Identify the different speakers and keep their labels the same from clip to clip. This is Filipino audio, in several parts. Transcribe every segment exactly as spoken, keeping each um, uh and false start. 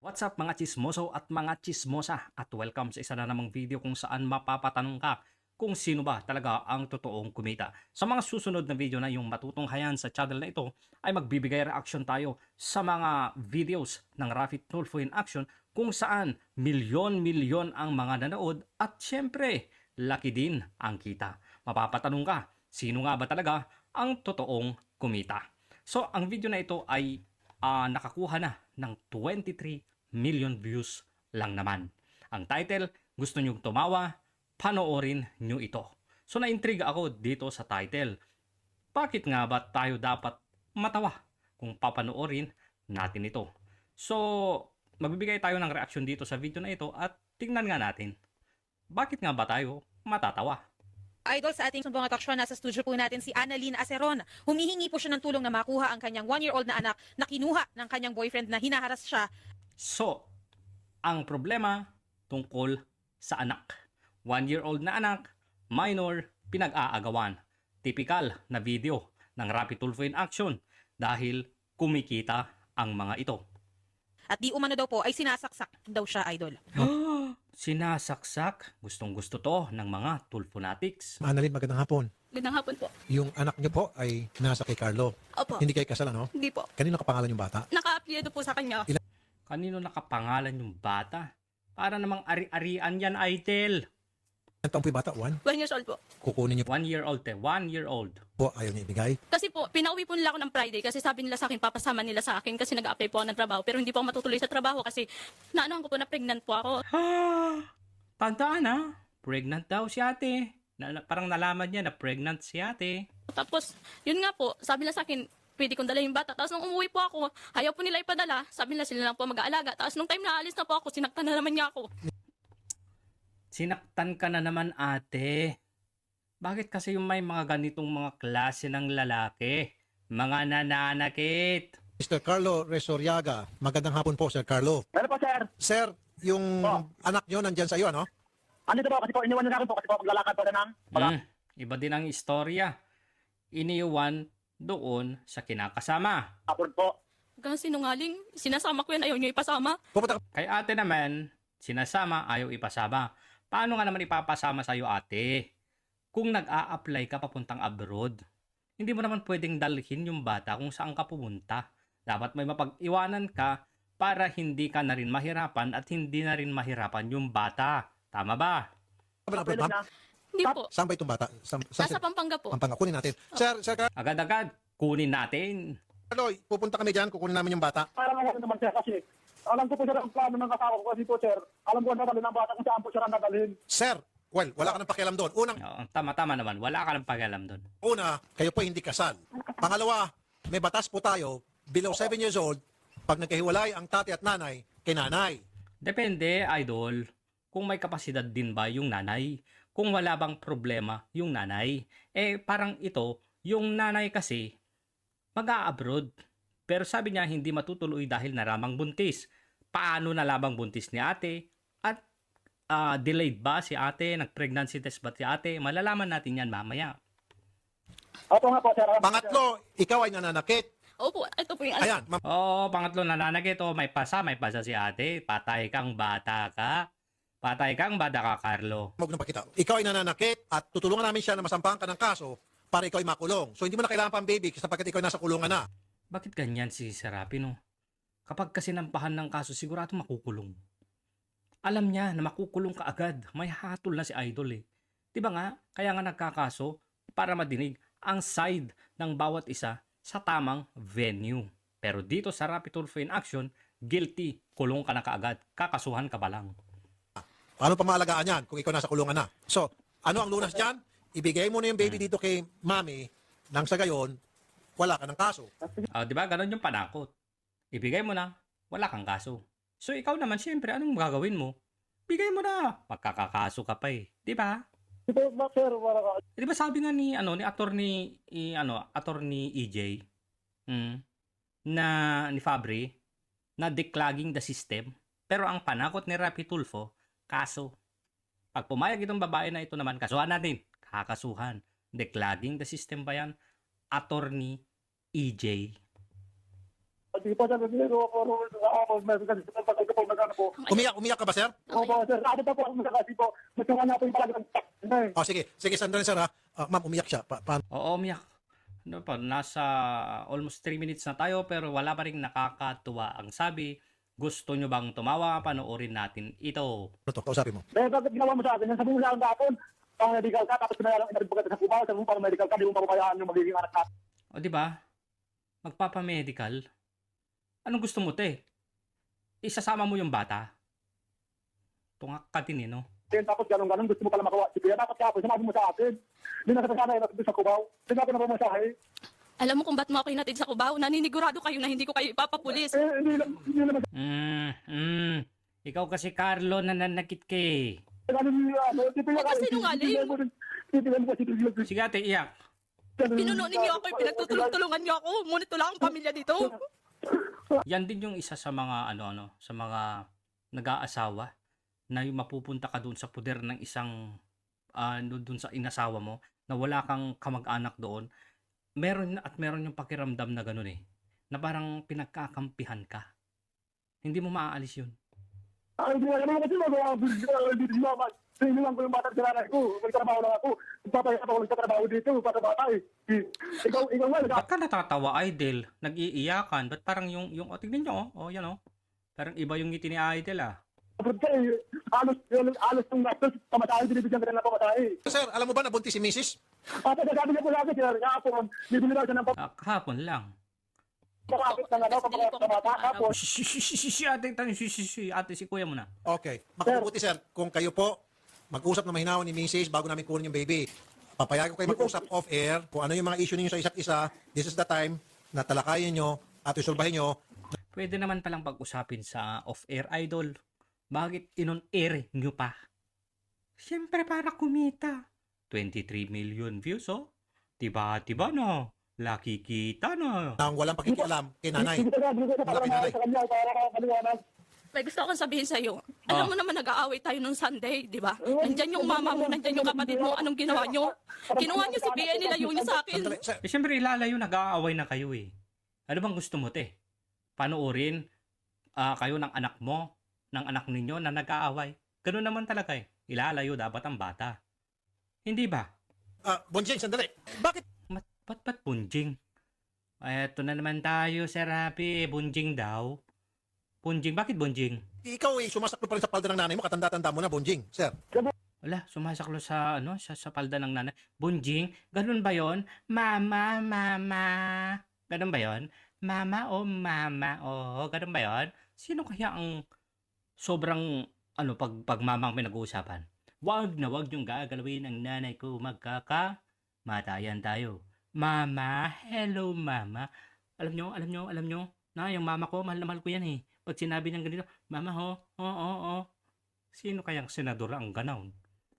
Speaker 1: What's up mga chismoso at mga chismosa at welcome sa isa na namang video kung saan mapapatanong ka kung sino ba talaga ang totoong kumita. Sa mga susunod na video na yung matutunghayan sa channel na ito ay magbibigay reaction tayo sa mga videos ng Rafi Tulfo in Action kung saan milyon-milyon ang mga nanood at syempre laki din ang kita. Mapapatanong ka, sino nga ba talaga ang totoong kumita? So ang video na ito ay uh, nakakuha na ng twenty-three million views lang naman. Ang title, gusto nyong tumawa, panoorin nyo ito. So na-intriga ako dito sa title. Bakit nga ba tayo dapat matawa kung papanoorin natin ito? So, magbibigay tayo ng reaction dito sa video na ito at tingnan nga natin. Bakit nga ba tayo matatawa?
Speaker 2: Idol, sa ating sumbong ataksyon, nasa studio po natin si Annalyn Aceron. Humihingi po siya ng tulong na makuha ang kanyang one-year-old na anak na kinuha ng kanyang boyfriend na hinaharas siya.
Speaker 1: So, ang problema tungkol sa anak. One-year-old na anak, minor, pinag-aagawan. Typical na video ng Rafi Tulfo in Action dahil kumikita ang mga ito.
Speaker 2: At di umano daw po ay sinasaksak daw siya, Idol.
Speaker 1: Sinasaksak? Gustong gusto to ng mga Tulfonatics.
Speaker 3: Annalyn, magandang hapon.
Speaker 4: Magandang hapon po.
Speaker 3: Yung anak niyo po ay nasa kay Carlo.
Speaker 4: Opo.
Speaker 3: Hindi kayo kasal, ano?
Speaker 4: Hindi po.
Speaker 3: Kanino kapangalan yung bata?
Speaker 4: Naka-apelyido po sa kanya.
Speaker 1: Kanino nakapangalan yung bata? Para namang ari-arian yan, Idol.
Speaker 3: Ang taong po yung bata? One?
Speaker 4: One years old po.
Speaker 3: Kukunin niyo
Speaker 1: One year old te, one year old.
Speaker 3: po, ayaw niya ibigay.
Speaker 4: Kasi po, pinauwi po nila ako ng Friday kasi sabi nila sa akin, papasama nila sa akin kasi nag-apply po ako ng trabaho. Pero hindi po ako matutuloy sa trabaho kasi naanohan ko po na pregnant po ako.
Speaker 1: Ha! Tandaan ha, pregnant daw si ate. Na, na- parang nalaman niya na pregnant si ate.
Speaker 4: Tapos, yun nga po, sabi nila sa akin, pwede kong dala yung bata. Tapos nung umuwi po ako, ayaw po nila ipadala. Sabi nila sila lang po mag-aalaga. Tapos nung time na alis na po ako, sinaktan na naman niya ako.
Speaker 1: Sinaktan ka na naman ate. Bakit kasi yung may mga ganitong mga klase ng lalaki? Mga nananakit.
Speaker 3: mister Carlo Resoriaga, magandang hapon po, Sir Carlo.
Speaker 5: Ano po, sir?
Speaker 3: Sir, yung
Speaker 5: Po.
Speaker 3: anak niyo nandyan sa iyo, ano?
Speaker 5: Andito po, kasi po, iniwan niyo na akin po, kasi po, maglalakad po na ng...
Speaker 1: Hmm, iba din ang istorya. Iniwan doon sa kinakasama.
Speaker 5: Upward po.
Speaker 4: Hanggang sinungaling, sinasama ko yan, ayaw niyo ipasama.
Speaker 3: Pupunta ka
Speaker 1: Kay ate naman, sinasama, ayaw ipasama. Paano nga naman ipapasama sa'yo ate? Kung nag-a-apply ka papuntang abroad, hindi mo naman pwedeng dalhin yung bata kung saan ka pumunta. Dapat may mapag-iwanan ka para hindi ka na rin mahirapan at hindi na rin mahirapan yung bata. Tama ba?
Speaker 3: ba ng abroad, ma'am?
Speaker 5: na.
Speaker 4: Hindi po.
Speaker 3: Saan ba itong bata? Saan, saan,
Speaker 4: Nasa Pampanga po.
Speaker 3: Pampanga. Kunin natin. Sir, Sir
Speaker 1: Agad-agad, kunin natin.
Speaker 3: Carlo, pupunta kami dyan, kukunin namin yung bata.
Speaker 5: Para nga naman, sir, kasi alam ko po, sir, ang plano ng kasawa ko kasi po, sir. Alam ko ang dadalhin ng bata kung saan po siya ang dadalhin.
Speaker 3: Sir, well, wala ka ng pakialam doon. Unang,
Speaker 1: Oo, tama-tama naman, wala ka ng pakialam doon.
Speaker 3: una, kayo po hindi kasal. Pangalawa, may batas po tayo, below seven years old, pag nagkahiwalay ang tatay at nanay, kay nanay.
Speaker 1: Depende, idol, kung may kapasidad din ba yung nanay. Kung wala bang problema yung nanay. Eh, parang ito, yung nanay kasi, mag-a-abroad. Pero sabi niya, hindi matutuloy dahil naramang buntis. Paano nalamang buntis ni ate? At ah, delayed ba si ate? Nag-pregnancy test ba si ate? Malalaman natin yan mamaya.
Speaker 5: Opo nga po, sir. Alam ko, sir.
Speaker 3: Pangatlo, ikaw ay nananakit.
Speaker 4: Opo, ito po yung anak.
Speaker 3: Ayan, ma'am.
Speaker 1: Oo, pangatlo nananakit. Oh, may pasa, may pasa si ate. Patay kang bata ka. Patay kang bata ka, Carlo.
Speaker 3: Huwag na pakita. Ikaw ay nananakit at tutulungan namin siya na masampahan ka ng kaso para ikaw ay makulong. So hindi mo na kailangan pang baby sapagkat ikaw ay nasa kulungan na.
Speaker 1: Bakit ganyan si Serapi, no? Kapag kasi nampahan ng kaso, sigurado makukulong. Alam niya na makukulong ka agad. May hatol na si Idol eh. Diba nga? Kaya nga nagkakaso para madinig ang side ng bawat isa sa tamang venue. Pero dito sa Rafi Tulfo in Action, guilty, kulong ka na kaagad. Kakasuhan ka pa lang.
Speaker 3: Paano pa maalagaan yan kung ikaw nasa kulungan na? So, ano ang lunas dyan? Ibigay mo na yung baby dito kay mami nang sa gayon, wala ka ng kaso.
Speaker 1: Ah, di ba? Ganon yung panakot. Ibigay mo na, wala kang kaso. So ikaw naman, siyempre, anong gagawin mo? Bigay mo na. Magkakakaso ka pa eh. Di ba?
Speaker 5: Ito ba, sir? Wala ka.
Speaker 1: Eh, di ba sabi nga ni ano ni attorney i, ano attorney E J mm, na ni Fabri na declogging the system, pero ang panakot ni Rafi Tulfo kaso. Pag pumayag itong babae na ito naman, kasuhan natin. Kakasuhan. Declogging the system ba yan? Attorney E J.
Speaker 5: Hindi po, sir. Hindi ko ako, ako, meron kasi sa pagkakita ko, nagano po.
Speaker 3: Umiyak, umiyak ka ba, sir?
Speaker 5: Opo, sir. Ako pa po ako kasi po. Magkawa na po yung palagi ng tak. Eh.
Speaker 3: O, sige. Sige, sandali, sir, ha? Ah, ma'am, umiyak siya. Pa paano?
Speaker 1: Oo, umiyak. Ano pa, nasa almost three minutes na tayo pero wala pa rin nakakatuwa ang sabi. Gusto nyo bang tumawa? Panoorin natin ito.
Speaker 3: Ano to? Kausapin mo.
Speaker 5: Eh, bakit ginawa mo sa akin? Sabi mo sa akin dapon, pang medical ka, tapos pinayalang inabig ka sa Cubao, sabi mo pang medical ka, di mo papabayaan yung magiging anak natin.
Speaker 1: O, di ba? Magpapamedical. Anong gusto mo, te? Isasama mo yung bata? Tungak ka din, eh, no?
Speaker 5: Tapos ganun-ganun, gusto mo pala makawa. Sige, dapat kapon, sinabi mo sa akin. Hindi na kasama yung sa Cubao. Hindi ako na pumasahe.
Speaker 4: Alam mo kung ba't mo ako hinatid sa Cubao? Naninigurado kayo na hindi ko kayo ipapapulis.
Speaker 5: Eh, hindi lang, hindi naman.
Speaker 1: Mm, mm. Ikaw kasi, Carlo, nananakit ka eh.
Speaker 5: Ano niya, ano, titigan
Speaker 4: Huwag ka sinungaling.
Speaker 5: Titigan mo kasi titigan mo.
Speaker 1: Sige, ate, iyak.
Speaker 4: Pinuno ninyo ako, pinagtutulong-tulungan niyo ako. Ngunit wala akong pamilya dito.
Speaker 1: Yan din yung isa sa mga, ano-ano, sa mga nag-aasawa na yung mapupunta ka doon sa puder ng isang, ano, doon sa inasawa mo, na wala kang kamag-anak doon. Meron at meron yung pakiramdam na gano'n eh. Na parang pinagkakampihan ka. Hindi mo maaalis yun.
Speaker 5: Ay, hindi naman kasi magawa ko dito si mama. Sinilang ko yung bata sa nanay ko. Magtrabaho lang ako. Papayat ako nagtatrabaho dito para bata eh. Ikaw, ikaw nga, nag-
Speaker 1: Ba't ka natatawa, Idol? Nag-iiyakan? Ba't parang yung, yung, oh, tignan nyo, oh, oh, yan oh. Parang iba yung ngiti ni Idol ah.
Speaker 5: ka eh. Alos, alos yung gastos. Pamatahin, binibigyan ka na pamatahin.
Speaker 3: Sir, alam mo ba na buntis si missus?
Speaker 5: At sabi niya po lagi, sir, kahapon, bibili daw siya ng
Speaker 1: Ah, kahapon lang.
Speaker 5: papakapit ng ano, papakapit ng bata. Kahapon,
Speaker 1: Si, si, si, si, si ate, tanong, si, si, si, ate, si kuya mo na.
Speaker 3: Okay. Makabuti, sir, kung kayo po mag-usap na mahinawan ni missus bago namin kunin yung baby. Papayagan ko kayo mag-usap off-air kung ano yung mga issue ninyo sa isa't isa. This is the time na talakayin nyo at isulbahin nyo.
Speaker 1: Pwede naman palang pag-usapin sa off-air, Idol. Bakit inon-air nyo pa? Siyempre para kumita. twenty-three million views, oh. Diba-diba na? Laki kita na.
Speaker 3: Na walang pakikialam kay nanay.
Speaker 5: Hindi ko na, hindi ko na
Speaker 3: Malaki na, eh.
Speaker 5: sa kanya para makapaliwanag.
Speaker 4: May gusto akong sabihin sa'yo.
Speaker 1: Ah.
Speaker 4: Alam mo naman nag-aaway tayo nung Sunday, di ba? Nandyan yung mama mo, nandyan yung kapatid mo. Anong ginawa nyo? Kinuha nyo si Bea, nilayo nyo sa akin.
Speaker 3: Sandali, sir.
Speaker 1: Eh, siyempre ilalayo, nag-aaway na kayo eh. Ano bang gusto mo, te? Panoorin ah, kayo ng anak mo, ng anak ninyo na nag-aaway. Ganun naman talaga eh. Ilalayo dapat ang bata. Hindi ba?
Speaker 3: Ah, Bonjing, sandali. Bakit?
Speaker 1: Mat, ba't ba't bunjing? Eto na naman tayo, Sir Happy. Bunjing daw. Bunjing? Bakit bunjing?
Speaker 3: Ikaw eh, sumasaklo pa rin sa palda ng nanay mo. Katanda-tanda mo na, Bonjing. Sir.
Speaker 1: Wala, sumasaklo sa, ano, sa, sa palda ng nanay. Bunjing? Ganun ba yon? Mama, mama. Ganun ba yon? Mama o mama o. Ganun ba yon? Sino kaya ang sobrang, ano, pag, pag mamang pinag-uusapan? Wag na wag yung gagalawin ang nanay ko. Magkaka, matayan tayo. Mama, hello mama. Alam nyo, alam nyo, alam nyo, na yung mama ko, mahal na mahal ko yan eh. Pag sinabi niyang ganito, mama ho, oo, oo, oo. Sino kayang senador ang ganaon?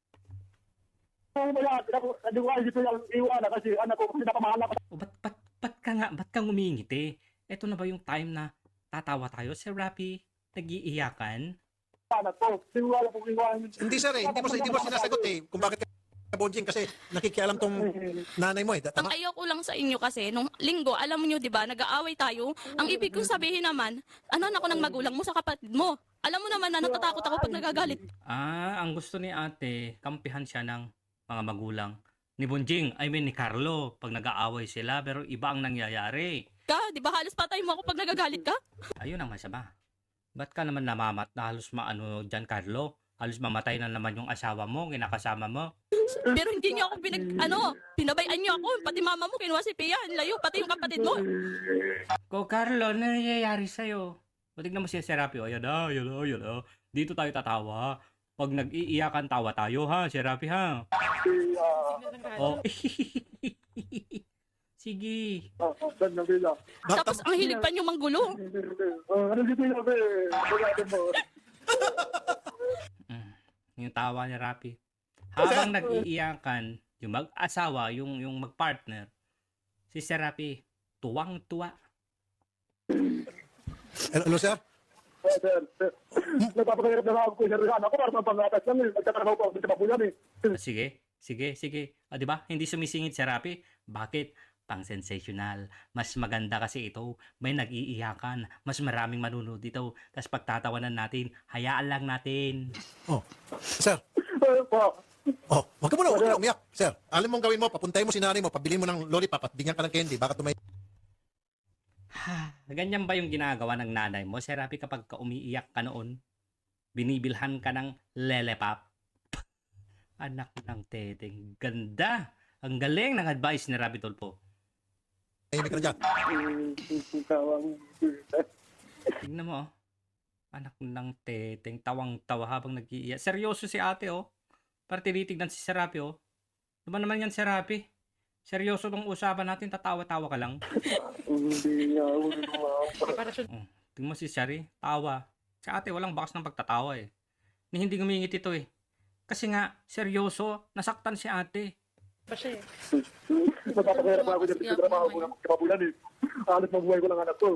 Speaker 5: Ano ba yan? Hindi ko hindi ko yung iwanan kasi anak ko, kasi napamahal ako.
Speaker 1: O ba't, ba't, ba't ka nga, ba't kang umingiti? Eto na ba yung time na tatawa tayo? Sir Rapi, nag-iiyakan?
Speaker 5: sa anak ko. Hindi ko alam kung iwanan.
Speaker 3: Hindi, sir eh. Hindi mo, hindi mo sinasagot eh. Kung bakit ka Bonjing kasi nakikialam tong nanay mo eh.
Speaker 4: Ang
Speaker 3: Tama?
Speaker 4: ayaw ko lang sa inyo kasi, nung linggo, alam niyo 'di ba, nag-aaway tayo. Ang ibig kong sabihin naman, ano ako ng magulang mo sa kapatid mo. Alam mo naman na natatakot ako pag nagagalit.
Speaker 1: Ah, ang gusto ni ate, kampihan siya ng mga magulang. Ni Bunjing, I mean ni Carlo, pag nag-aaway sila, pero iba ang nangyayari.
Speaker 4: Ka, 'di ba halos patay mo ako pag nagagalit ka?
Speaker 1: Ayun ang masama. Ba't ka naman namamat na halos maano dyan, Carlo? Halos mamatay na naman yung asawa mo, kinakasama mo.
Speaker 4: Pero hindi niyo ako pinag ano, pinabayaan niyo ako, pati mama mo kinuha si Pia, ang layo pati yung kapatid mo.
Speaker 1: Ko, Carlo, ano nangyayari sa'yo? O, tignan mo siya si Rapi. O, yan na, yan na, yan na. Dito tayo tatawa. Pag nag-iiyakan, tawa tayo, ha? Si Rapi, ha? O, sige.
Speaker 5: Oh, dan na bila.
Speaker 4: Tapos ang hilig pa niyo manggulo.
Speaker 5: Ano dito yung be? Wala mo.
Speaker 1: Mm, yung tawa ni Rapi. Habang nag-iiyakan, yung mag-asawa, yung, yung mag-partner, si Sir Rapi, tuwang-tuwa.
Speaker 3: Hello, sir?
Speaker 5: Sir, sir. Nagpapakahirap na ako sir sa anak ko para mapangatas lang eh. Nagtatrabaho po ako sa Mapuyan eh.
Speaker 1: Sige, sige, sige. Ah, di ba? Hindi sumisingit si Rapi. Bakit? pang sensational. Mas maganda kasi ito, may nag-iiyakan, mas maraming manunod dito. Tapos pagtatawanan natin, hayaan lang natin.
Speaker 3: Oh, sir.
Speaker 5: Ano po?
Speaker 3: Oh, wag ka muna, wag ka na umiyak. Sir, alam mong gawin mo, papuntahin mo si nanay mo, pabili mo ng lollipop at bigyan ka ng candy, baka tumay...
Speaker 1: Ha, ganyan ba yung ginagawa ng nanay mo, Sir Rapi, kapag ka umiiyak ka noon? Binibilhan ka ng lelepap? Anak ng teteng, ganda! Ang galing ng advice ni Rapi Tulfo.
Speaker 3: Tahimik ka na dyan.
Speaker 5: Tawang.
Speaker 1: Tingnan mo, oh. Anak ng teteng, tawang-tawa habang nag-iiyak. Seryoso si ate, oh. Para tinitignan si Sir Rapi, oh. Ano ba naman yan, Sir Rapi? Seryoso tong usapan natin, tatawa-tawa ka lang.
Speaker 5: Hindi nga ako nagawa.
Speaker 2: Preparasyon.
Speaker 1: Oh, tingnan mo si Shari, tawa. Si ate, walang bakas ng pagtatawa, eh. Ni hindi ngumingit ito, eh. Kasi nga, seryoso, nasaktan si ate.
Speaker 2: Pa siya eh.
Speaker 5: Napapakahirap ako dyan sa trabaho ko ng kapabulan eh. Halos mabuhay ko lang anak ko.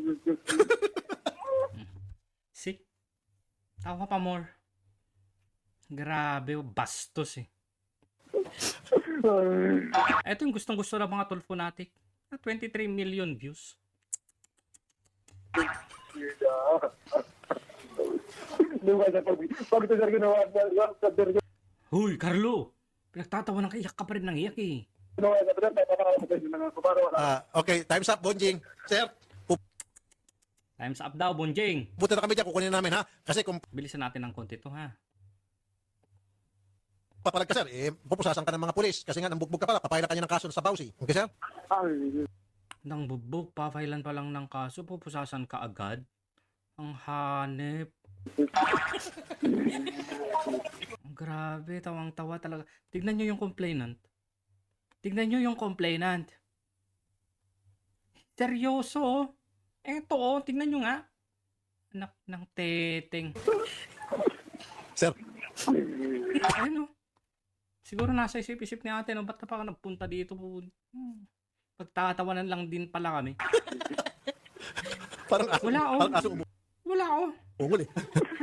Speaker 1: See? Tawa pa more. Grabe, oh, bastos, eh. Ito yung gustong-gusto ng mga Tulfo natin. twenty-three million views.
Speaker 5: Hindi ko kasi pag pag ito sir ginawa sa sir
Speaker 1: Huy, Carlo! Pinagtatawa ng iyak ka pa rin ng iyak, eh.
Speaker 5: ginawa sa sir papakakamatay din ng para wala.
Speaker 3: Ah, okay, time's up, Bonjing. Sir,
Speaker 1: Time's up daw, Bonjing.
Speaker 3: pupunta na kami dyan, kukunin namin ha. Kasi kung
Speaker 1: Bilisan natin ng konti to, ha?
Speaker 3: papalag ka, sir, eh, pupusasan ka ng mga pulis. Kasi nga, nambugbog ka pala, papaila ka niya ng kaso sa Bausi. Okay, sir?
Speaker 5: Ay,
Speaker 1: Nang bubog, papailan pa lang ng kaso, pupusasan ka agad. Ang hanep. Ang grabe, tawang-tawa talaga. Tignan nyo yung complainant. Tignan nyo yung complainant. Seryoso, oh. Eto, oh. Tignan nyo nga. Anak ng teteng.
Speaker 3: Sir,
Speaker 1: Ayun, oh. Siguro nasa isip-isip ni ate, no? Ba't na pa ako nagpunta dito? Hmm. Pagtatawanan lang din pala kami.
Speaker 3: parang aso,
Speaker 1: Wala, oh.
Speaker 3: parang aso umu-
Speaker 1: Wala, oh.
Speaker 3: umungol eh.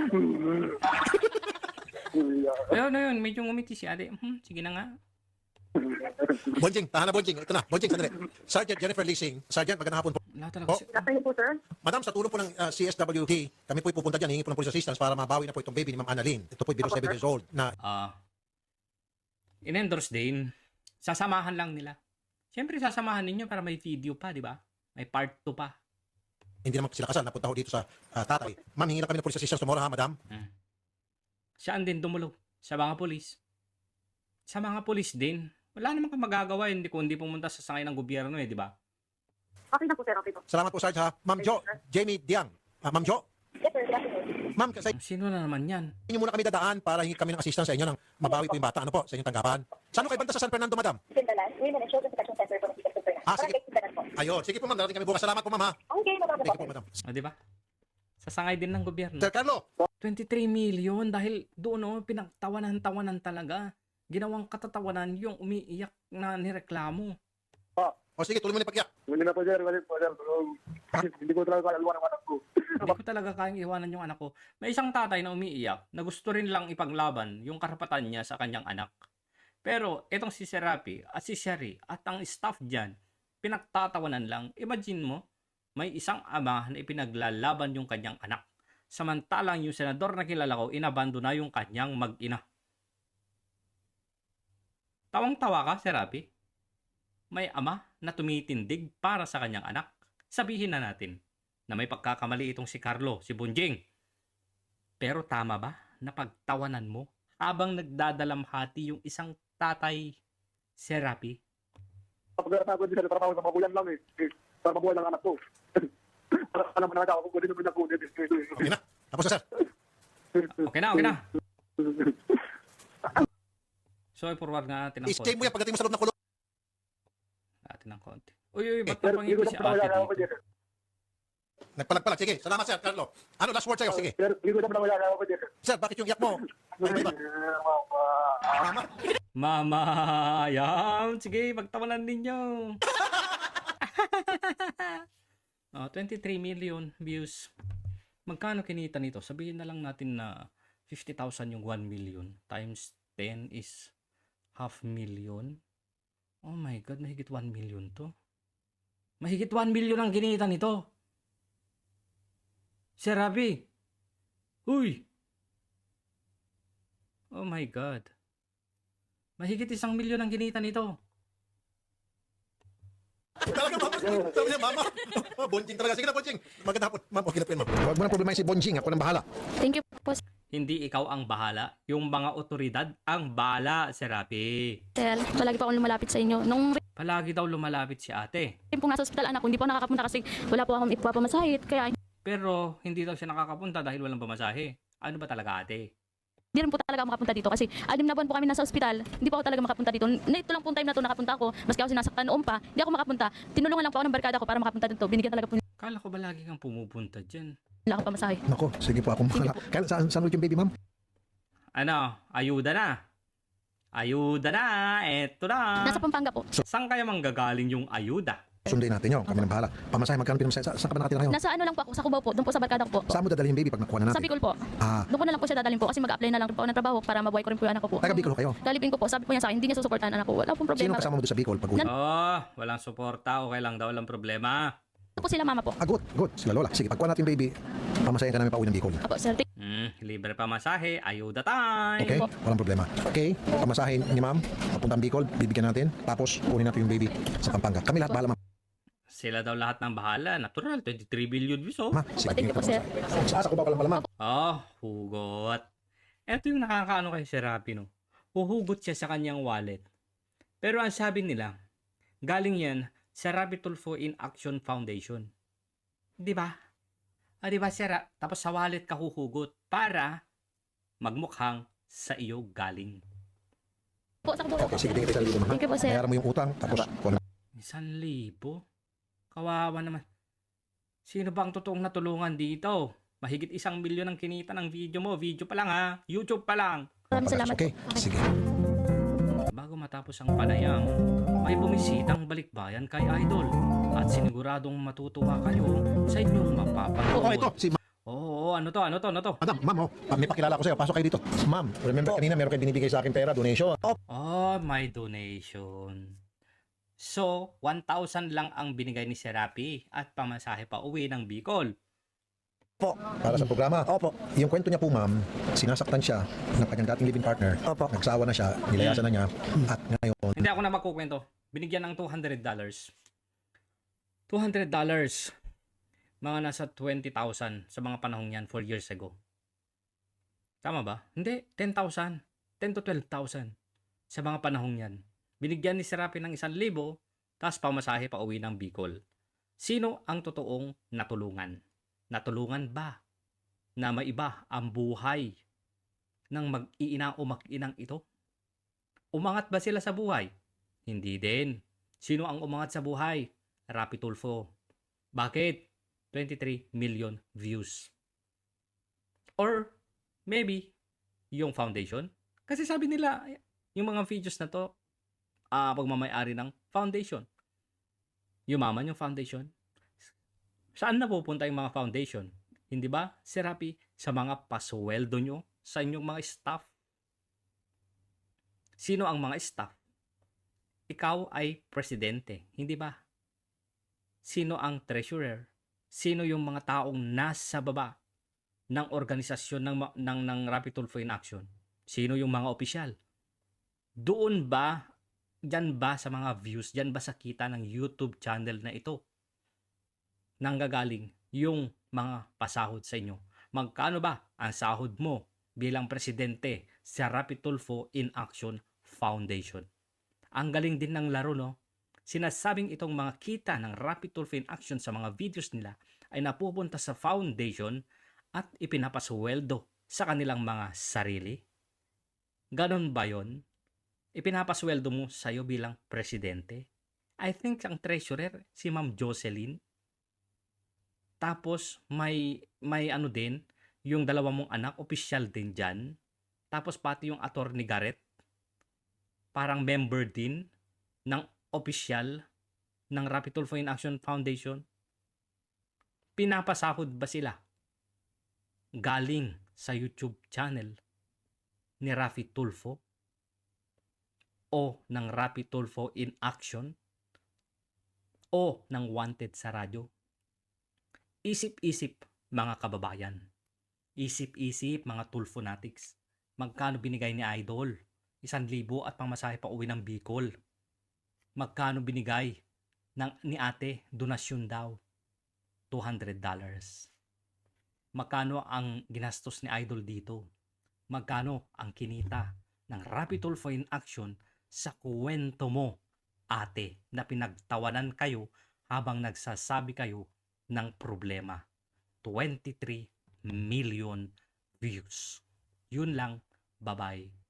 Speaker 1: Ayun, ayun. Medyo ngumiti si ate. Hmm, sige na nga.
Speaker 3: Bonjing, tahan na, Bonjing. Ito na, Bonjing, sandali. Sergeant Jennifer Leasing. Sergeant, magandang hapon po.
Speaker 1: Wala talaga.
Speaker 3: Oh.
Speaker 1: si-
Speaker 5: Nasaan po sir?
Speaker 3: Madam, sa tulong po ng uh, C S W T, kami po'y pupunta dyan, hingi po ng police assistance para mabawi na po itong baby ni Ma'am Annalyn. Ito po'y below seven years old na
Speaker 1: Ah, in-endorse din. Sasamahan lang nila. Siyempre, sasamahan ninyo para may video pa, di ba? May part two pa.
Speaker 3: hindi naman sila kasal, napunta ho dito sa ah, tatay. Ma'am, hingi lang kami ng police assistance tomorrow ha, madam.
Speaker 1: Saan din dumulog? Sa mga polis. Sa mga polis din. Wala namang kang magagawa, hindi kundi pumunta sa sangay ng gobyerno, eh, di ba?
Speaker 5: Okay na po sir, okay po.
Speaker 3: Salamat po, Sarge ha. Ma'am Jo, Jamie Diang. Ah, Ma'am Jo,
Speaker 5: Yes sir, good afternoon.
Speaker 3: ma'am, sa
Speaker 1: Sino na naman yan?
Speaker 3: inyo muna kami dadaan para hingi kami ng assistance sa inyo nang mabawi po yung bata. Ano po, sa inyong tanggapan? Saan ho kayo banda sa San Fernando, madam?
Speaker 5: Sindalan, Women and Children Protection Center po ng Sikat Super.
Speaker 3: Ah, sige.
Speaker 5: Sindalan po.
Speaker 3: Ayun, sige po ma'am, darating kami bukas. Salamat po ma'am ha.
Speaker 5: Okay, maganda
Speaker 3: Thank you
Speaker 5: po.
Speaker 3: po, madam.
Speaker 1: O, di ba? Sa sangay din ng gobyerno.
Speaker 3: Sir Carlo,
Speaker 1: twenty-three million dahil doon, oh, pinagtawanan-tawanan talaga. Ginawang katatawanan yung umiiyak na nireklamo.
Speaker 3: o sige, tuloy mo na yung pagyak.
Speaker 5: Hindi na po sir, wala po sir. Hindi ko talaga kaya luwan ang anak ko.
Speaker 1: Hindi ko talaga kayang iwanan yung anak ko. May isang tatay na umiiyak na gusto rin lang ipaglaban yung karapatan niya sa kanyang anak. Pero itong si Serapi at si Sherry at ang staff dyan, pinagtatawanan lang. Imagine mo, may isang ama na ipinaglalaban yung kanyang anak. Samantalang yung senador na kilala ko, inabando na yung kanyang mag-ina. Tawang-tawa ka, Serapi? May ama na tumitindig para sa kanyang anak. Sabihin na natin na may pagkakamali itong si Carlo, si Bunjing. Pero tama ba na pagtawanan mo habang nagdadalamhati yung isang tatay, Serapi?
Speaker 5: Pag-aaral ako din sa trabaho sa magulang lang eh. Eh, Para mabuhay lang anak ko. Para alam mo na ako kung hindi naman ako.
Speaker 3: Okay na. Tapos na, sir.
Speaker 1: Okay na, okay na. So, i-forward nga natin ng
Speaker 3: I-stay mo
Speaker 1: konti.
Speaker 3: yan pagdating mo sa loob ng kulong.
Speaker 1: Natin ng konti. Uy, uy, ba't
Speaker 5: Sir,
Speaker 1: napangiti si ate dito?
Speaker 3: Nagpalag-palag. Sige, salamat sir, Carlo. Ano, last word sa'yo? Sige.
Speaker 5: Sir, hindi ko naman nawala ako dito.
Speaker 3: Sir, bakit yung iyak mo? Ay, iba, iba. Mama.
Speaker 1: Mama, yan. Sige, pagtawanan ninyo. oh, twenty-three million views. Magkano kinita nito? Sabihin na lang natin na fifty thousand yung one million times ten is half million. Oh my God, mahigit one million to. Mahigit one million ang ginita nito. Sir Rafi. Uy. Oh my God. Mahigit isang milyon ang ginita nito.
Speaker 3: Talaga, mama. Sabi niya, mama. Bonjing talaga. Sige na, Bonjing. Maganda hapon. Ma'am, okay na po yun, ma'am. Huwag mo na problema si Bonjing. Ako nang bahala.
Speaker 4: Thank you po,
Speaker 1: Hindi ikaw ang bahala. Yung mga otoridad ang bahala, Sir Rafi.
Speaker 4: sir. Palagi pa akong lumalapit sa inyo. Nung
Speaker 1: Palagi daw lumalapit si ate.
Speaker 4: rin po nasa ospital anak ko, hindi po ako nakakapunta kasi wala po akong ipapamasahe. Kaya
Speaker 1: Pero hindi daw siya nakakapunta dahil walang pamasahe. Ano ba talaga ate?
Speaker 4: hindi rin po talaga ako makapunta dito kasi anim na buwan po kami nasa ospital. Hindi po ako talaga makapunta dito. Na ito lang po time na to nakapunta ako. Maski ako sinasaktan noon pa, hindi ako makapunta. Tinulungan lang po ako ng barkada ko para makapunta dito. Binigyan talaga po
Speaker 1: Kala ko ba lagi kang pumupunta dyan?
Speaker 4: nila ako pamasahe.
Speaker 3: Nako, sige po akong bahala. Kaya saan, saan ulit yung baby, ma'am?
Speaker 1: Ano? Ayuda na. Ayuda na. Eto na.
Speaker 4: Nasa Pampanga po.
Speaker 1: Saan kaya manggagaling yung ayuda?
Speaker 3: Sundin natin yun. Kami nang bahala. Pamasahe, magkano pinamasahe? Sa, saan ka ba nakatira ngayon?
Speaker 4: Nasa ano lang po ako sa Cubao po, doon po sa barkada ko po.
Speaker 3: Saan mo dadalhin yung baby pag nakuha na
Speaker 4: Sa
Speaker 3: natin?
Speaker 4: Bicol po.
Speaker 3: Ah,
Speaker 4: Doon ko na lang po siya dadalhin po kasi mag-apply na lang po ako ng trabaho para mabuhay ko rin po yung anak ko po.
Speaker 3: taga Bicol kayo.
Speaker 4: Kalipin ko po, sabi po niya sa akin, hindi niya susuportahan anak ko. Wala pong
Speaker 3: Sino
Speaker 4: problema.
Speaker 3: kasama mo doon sa Bicol pag uwi?
Speaker 1: Oh, walang suporta. Okay lang daw. Walang problema.
Speaker 4: Ito po sila mama po.
Speaker 3: Ah, good, good. Sila lola. Sige, pagkuha natin yung baby, pamasahin ka namin pa uwi ng Bicol.
Speaker 4: Apo, sir. Thank
Speaker 1: Hmm, libre pa masahe. Ayuda time.
Speaker 3: Okay?
Speaker 4: po.
Speaker 3: Walang problema. Okay, pamasahin ni ma'am, papuntang Bicol, bibigyan natin, tapos kunin natin yung baby sa Pampanga. Kami lahat bahala, ma'am.
Speaker 1: Sila daw lahat ng bahala. Natural. twenty-three billion views oh.
Speaker 3: Ma, sige,
Speaker 4: Thank you po, sir.
Speaker 3: Sa asa ko ba pala pala, ma'am?
Speaker 1: Oh, hugot. Ito yung nakakaano kay Sir Rafi, no? Huhugot siya sa kanyang wallet. Pero ang sabi nila, galing yan sa Rafi Tulfo in Action Foundation. Di ba? Ah, di ba, Sir? Ra- Tapos sa wallet ka huhugot para magmukhang sa iyo galing.
Speaker 4: Po, sa Cubao.
Speaker 3: Okay, sige, tingin tayo sa libo, ma'am.
Speaker 4: Thank you po, sir.
Speaker 3: Bayaran mo yung utang, tapos kuha na.
Speaker 1: Isang libo? Kawawa naman. Sino ba ang totoong natulungan dito? Mahigit isang milyon ang kinita ng video mo. Video pa lang ha. YouTube pa lang.
Speaker 4: Maraming salamat
Speaker 3: Okay,
Speaker 4: po.
Speaker 3: sige.
Speaker 1: Bago matapos ang panayam, may bumisitang balikbayan kay Idol at siniguradong matutuwa kayo sa inyong mapapanood.
Speaker 3: Oh, ito, si ma'am.
Speaker 1: Oo, oo, ano to, ano to, ano to?
Speaker 3: Madam, ma'am, oh, pa- may pakilala ko sa'yo. Pasok kayo dito. Ma'am, remember kanina meron kayo binibigay sa akin pera, donation.
Speaker 1: Oh, may donation. So, one thousand lang ang binigay ni Serapi at pamasahe pa uwi ng Bicol.
Speaker 3: Para sa programa. Opo. Yung kwento niya po, ma'am, sinasaktan siya ng kanyang dating living partner. Opo. Nagsawa na siya, nilayasan na niya, at ngayon,
Speaker 1: Hindi ako na magkukwento. Binigyan ng two hundred dollars. two hundred dollars. Mga nasa twenty thousand sa mga panahong yan four years ago. Tama ba? Hindi, ten thousand. ten to twelve thousand sa mga panahong yan. Binigyan ni Serapi ng isang libo, tapos pamasahe pa uwi ng Bicol. Sino ang totoong natulungan? Natulungan ba na maiba ang buhay ng mag-iina o mag-inang ito? Umangat ba sila sa buhay? Hindi din. Sino ang umangat sa buhay? Rapi Tulfo. Bakit? twenty-three million views. Or maybe yung foundation. Kasi sabi nila, yung mga videos na to, ah pagmamayari ng foundation. Yumaman yung foundation. Saan na pupunta yung mga foundation? Hindi ba, Sir Rapi, sa mga pasweldo nyo, sa inyong mga staff? Sino ang mga staff? Ikaw ay presidente, hindi ba? Sino ang treasurer? Sino yung mga taong nasa baba ng organisasyon ng, ma- ng, ng Rapi Tulfo in Action? Sino yung mga opisyal? Doon ba, dyan ba sa mga views, dyan ba sa kita ng YouTube channel na ito? Nanggagaling yung mga pasahod sa inyo. Magkano ba ang sahod mo bilang presidente sa Rapi Tulfo in Action Foundation? Ang galing din ng laro, no? Sinasabing itong mga kita ng Rapi Tulfo in Action sa mga videos nila ay napupunta sa foundation at ipinapasweldo sa kanilang mga sarili. Ganon ba yon? Ipinapasweldo mo sa'yo bilang presidente? I think ang treasurer, si Ma'am Jocelyn. Tapos may, may ano din, yung dalawa mong anak, opisyal din dyan. Tapos pati yung attorney Garrett, parang member din ng opisyal ng Rapi Tulfo in Action Foundation. Pinapasahod ba sila galing sa YouTube channel ni Rafi Tulfo? o ng Rapid Tulfo in action o ng wanted sa radyo? Isip-isip mga kababayan. Isip-isip mga Tulfonatics. Magkano binigay ni Idol? Isang libo at pamasahe pa uwi ng Bicol. Magkano binigay ng, ni ate? Donasyon daw. two hundred dollars. Magkano ang ginastos ni Idol dito? Magkano ang kinita ng Rapid Tulfo in action sa kwento mo, ate, na pinagtawanan kayo habang nagsasabi kayo ng problema? twenty-three million views. Yun lang. Bye-bye.